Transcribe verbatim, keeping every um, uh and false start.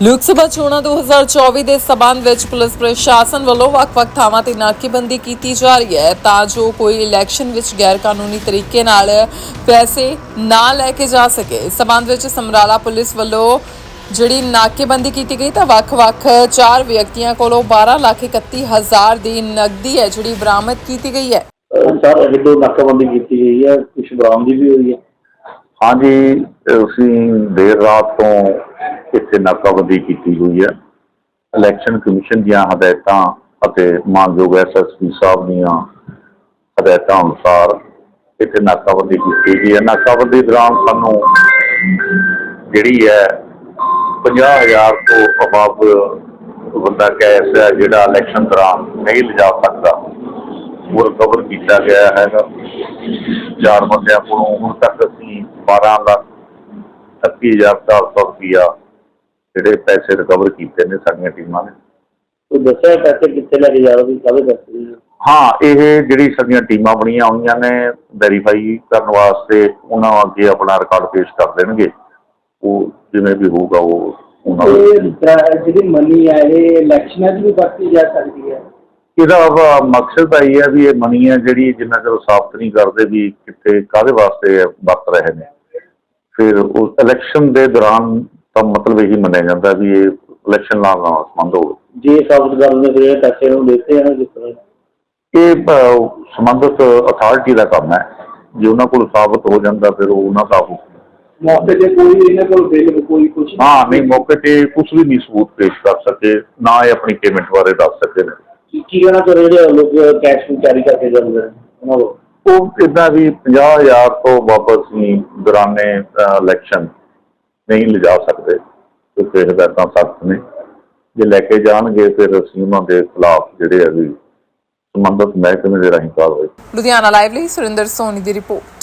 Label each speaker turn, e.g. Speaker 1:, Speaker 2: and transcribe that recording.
Speaker 1: ਲੋਕ ਸਭਾ ਚੋਣਾਂ ਦੋ ਹਜ਼ਾਰ ਚੌਵੀ ਦੇ ਸਬੰਧ ਵਿੱਚ ਪੁਲਿਸ ਪ੍ਰਸ਼ਾਸਨ ਵੱਲੋਂ ਵੱਖ-ਵੱਖ ਥਾਵਾਂ ਤੇ ਨਾਕੇਬੰਦੀ ਕੀਤੀ ਜਾ ਰਹੀ ਹੈ ਤਾਂ ਜੋ ਕੋਈ ਇਲੈਕਸ਼ਨ ਵਿੱਚ ਗੈਰ ਕਾਨੂੰਨੀ ਤਰੀਕੇ ਨਾਲ ਪੈਸੇ ਨਾ ਲੈ ਕੇ ਜਾ ਸਕੇ। ਇਸ ਸਬੰਧ ਵਿੱਚ ਸਮਰਾਲਾ ਪੁਲਿਸ ਵੱਲੋਂ ਜਿਹੜੀ ਨਾਕੇਬੰਦੀ ਕੀਤੀ ਗਈ ਤਾਂ ਵੱਖ-ਵੱਖ ਚਾਰ ਵਿਅਕਤੀਆਂ ਕੋਲੋਂ ਬਾਰਾਂ ਲੱਖ ਇਕੱਤੀ ਹਜ਼ਾਰ ਦੀ ਨਕਦੀ ਹੈ ਜਿਹੜੀ ਬਰਾਮਦ ਕੀਤੀ ਗਈ ਹੈ।
Speaker 2: ਸਰ ਇਹ ਤੋਂ ਨਾਕਾਬੰਦੀ ਕੀਤੀ ਗਈ ਹੈ, ਕੁਛ ਬਰਾਮਦੀ ਵੀ ਹੋਈ ਹੈ।
Speaker 3: हाँ जी, ਅਸੀਂ देर रात तो ਇੱਥੇ ਨਾਕਾਬੰਦੀ ਕੀਤੀ ਹੋਈ ਹੈ। ਇਲੈਕਸ਼ਨ ਕਮਿਸ਼ਨ ਦੀਆਂ ਹਦਾਇਤਾਂ ਅਤੇ ਮਾਨਯੋਗ ਐਸ ਐਸ ਪੀ ਸਾਹਿਬ ਦੀਆਂ ਹਦਾਇਤਾਂ ਅਨੁਸਾਰ ਇੱਥੇ ਨਾਕਾਬੰਦੀ ਕੀਤੀ ਗਈ ਹੈ। ਨਾਕਾਬੰਦੀ ਦੌਰਾਨ ਸਾਨੂੰ ਜਿਹੜੀ ਹੈ ਪੰਜਾਹ ਹਜ਼ਾਰ ਤੋਂ ਅਬਾਵ ਬੰਦਾ ਕੈਸ਼ ਹੈ ਜਿਹੜਾ ਇਲੈਕਸ਼ਨ ਦੌਰਾਨ ਨਹੀਂ ਲਿਜਾ ਸਕਦਾ ਉਹ ਰਿਕਵਰ ਕੀਤਾ ਗਿਆ ਹੈਗਾ। ਚਾਰ ਬੰਦਿਆਂ ਕੋਲੋਂ ਹੁਣ ਤੱਕ ਅਸੀਂ ਬਾਰਾਂ ਲੱਖ ਇਕੱਤੀ ਹਜ਼ਾਰ ਚਾਰ ਸੌ ਰੁਪਈਆ ਜਿਹੜੇ ਪੈਸੇ ਰਿਕਵਰ ਕੀਤੇ ਨੇ ਸਾਡੀਆਂ ਟੀਮਾਂ ਨੇ।
Speaker 2: ਉਹ ਦੱਸਿਆ ਪੈਸੇ ਕਿੱਥੇ ਲੈ ਕੇ ਜਾ ਰਹੇ ਸੀ, ਕਾਹਦੇ ਪੈਸੇ?
Speaker 3: ਹਾਂ, ਇਹ ਜਿਹੜੀ ਸਾਡੀਆਂ ਟੀਮਾਂ ਬਣੀਆਂ ਹੋਈਆਂ ਨੇ ਵੈਰੀਫਾਈ ਕਰਨ ਵਾਸਤੇ ਉਹਨਾਂ ਅੱਗੇ ਆਪਣਾ ਰਿਕਾਰਡ ਪੇਸ਼ ਕਰ ਦੇਣਗੇ। ਉਹ ਜਿਵੇਂ ਵੀ ਹੋਊਗਾ ਉਹ ਉਹਨਾਂ
Speaker 2: ਜਿਹੜੀ ਮਨੀ ਹੈ ਇਹ ਇਲੈਕਸ਼ਨਾਂ 'ਚ ਵੀ ਵਰਤੀ ਜਾ ਸਕਦੀ ਹੈ।
Speaker 3: ਇਹਦਾ ਮਕਸਦ ਤਾਂ ਇਹ ਹੈ ਵੀ ਇਹ ਮਨੀ ਹੈ ਜਿਹੜੀ ਜਿੰਨਾ ਚਿਰ ਸਾਬਤ ਨਹੀਂ ਕਰਦੇ ਵੀ ਕਿੱਥੇ ਕਾਹਦੇ ਵਾਸਤੇ ਵਰਤ ਰਹੇ ਨੇ, ਫਿਰ ਉਸ ਇਲੈਕਸ਼ਨ ਦੇ ਦੌਰਾਨ ਤਾਂ ਮਤਲਬ ਇਹੀ ਮੰਨਿਆ ਜਾਂਦਾ ਵੀ ਇਹ ਇਲੈਕਸ਼ਨ ਨਾਲ ਨਾਲ ਸੰਬੰਧ ਹੋਵੇ।
Speaker 2: ਜੇ ਸਾਬਤ ਕਰ ਲੈਂਦੇ ਫਿਰ ਇਹ ਪੈਸੇ ਨੂੰ ਦਿੱਤੇ ਹਨ ਜਿਸ ਤਰ੍ਹਾਂ
Speaker 3: ਇਹ ਸੰਬੰਧਿਤ ਅਥਾਰਟੀ ਦਾ ਕੰਮ ਹੈ। ਜੇ ਉਹਨਾਂ ਕੋਲ ਸਾਬਤ ਹੋ ਜਾਂਦਾ ਫਿਰ ਉਹ ਉਹਨਾਂ ਦਾ
Speaker 2: ਮੌਕੇ ਤੇ ਕੋਈ ਇਹਨਾਂ ਕੋਲ ਬਿੱਲ ਕੋਈ ਕੁਛ
Speaker 3: ਹਾਂ ਨਹੀਂ, ਮੌਕੇ ਤੇ ਕੁਛ ਵੀ ਨਹੀਂ ਸਬੂਤ ਪੇਸ਼ ਕਰ ਸਕੇ, ਨਾ ਇਹ ਆਪਣੀ ਪੇਮੈਂਟ ਬਾਰੇ ਦੱਸ ਸਕੇ ਨੇ।
Speaker 2: ਕੀ ਕਹਿਣਾ ਚਾਹੁੰਦੇ ਜਿਹੜੇ ਲੋਕ ਕੈਸ਼ ਨੂੰ ਕੈਰੀ ਕਰਕੇ ਜਾਂਦੇ ਨੇ ਉਹਨਾਂ ਨੂੰ?
Speaker 3: ਉਹ ਇੱਦਾਂ ਵੀ ਪੰਜਾਹ ਹਜ਼ਾਰ ਤੋਂ ਵਾਪਸ ਅਸੀਂ ਦੌਰਾਨੇ ਇਲੈਕਸ਼ਨ ਨਹੀਂ ਲਿਜਾ ਸਕਦੇ ਕਿਉਂਕਿ ਹਦਾਇਤਾਂ ਸਖਤ ਨੇ। ਜੇ ਲੈ ਕੇ ਜਾਣਗੇ ਫਿਰ ਅਸੀਂ ਉਹਨਾਂ ਦੇ ਖਿਲਾਫ ਜਿਹੜੇ ਆ ਵੀ ਸੰਬੰਧਿਤ ਮਹਿਕਮੇ ਦੇ ਰਾਹੀਂ ਕਾਰਵਾਈ।
Speaker 1: ਲੁਧਿਆਣਾ ਲਾਈਵ ਲਈ ਸੁਰਿੰਦਰ ਸੋਨੀ ਦੀ ਰਿਪੋਰਟ।